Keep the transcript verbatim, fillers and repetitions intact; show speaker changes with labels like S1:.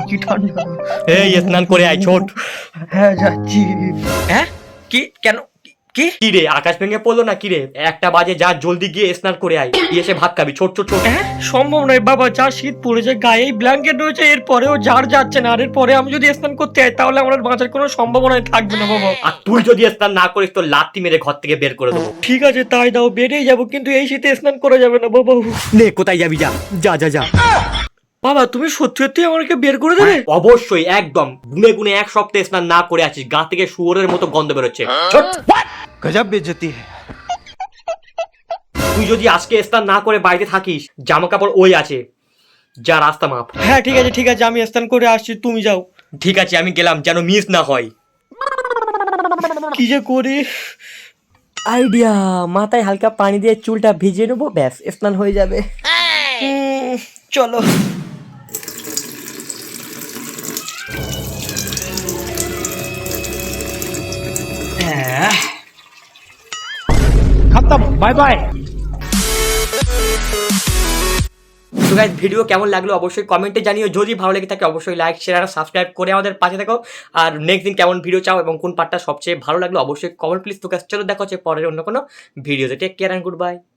S1: কি ঠান্ডা।
S2: এই স্নান করে আয় ছোট।
S1: হ্যাঁ যাচ্ছি।
S2: হ্যাঁ কি কেন কি কি রে আকাশ ভেঙে পড়লো না কি রে? একটা বাজে যা জলদি গিয়ে স্নান করে আয়, গিয়ে এসে ভাত খাবি ছোট ছোট ছোট।
S1: হ্যাঁ সম্ভব নয় বাবা, যা শীত পড়েছে গায়ে ব্ল্যাঙ্কেট রয়েছে, এরপরেও ঝাড় যাচ্ছে না, আর এরপরে আমি যদি স্নান করতে যাই তাহলে আমার বাঁচার কোনো সম্ভাবনাই থাকবে না বাবা।
S2: আর তুই যদি স্নান না করিস তো লাত্তি মেরে ঘর থেকে বের করে দেবো।
S1: ঠিক আছে তাই দাও, বেরিয়ে যাবো, কিন্তু এই শীতে স্নান করা যাবে না বাবা।
S2: নে কোথায় যাবি, যা যা যা যা।
S1: বাবা তুমি সত্যি সত্যি আমাকে বের করে দেবে?
S2: অবশ্যই, একদম গুনে গুনে এক সপ্তাহে স্নান না করে আছিস, গা থেকে শুয়োরের মতো গন্ধ বেরোচ্ছে। ছোট।
S3: गजब बेइज्जती है।
S2: তুই যদি আজকে স্নান না করে বাড়িতে থাকিস, জামা কাপড় ওই আছে, যা রাস্তা মাপ।
S1: হ্যাঁ ঠিক আছে ঠিক আছে, আমি স্নান করে আসছি, তুমি যাও।
S2: ঠিক আছে আমি গেলাম, যেন মিস না হয়।
S1: কি যে করি।
S2: আইডিয়া, মাথায় হালকা পানি দিয়ে চুলটা ভিজিয়ে নেবো, ব্যাস স্নান হয়ে যাবে।
S1: উম, চলো।
S3: खत्म, बाय बाय।
S2: তো গাইস ভিডিও কেমন লাগলো অবশ্যই কমেন্টে জানিও, যদি ভালো লেগে থাকে অবশ্যই লাইক শেয়ার আর সাবস্ক্রাইব করে আমাদের পাশে থাকো। আর নেক্সট দিন কেমন ভিডিও চাও এবং কোন পার্টটা সবচেয়ে ভালো লাগলো অবশ্যই কমেন্ট প্লিজ। তো গাইস চলো দেখা হচ্ছে পরের অন্য কোনো ভিডিওতে। Take care and good by.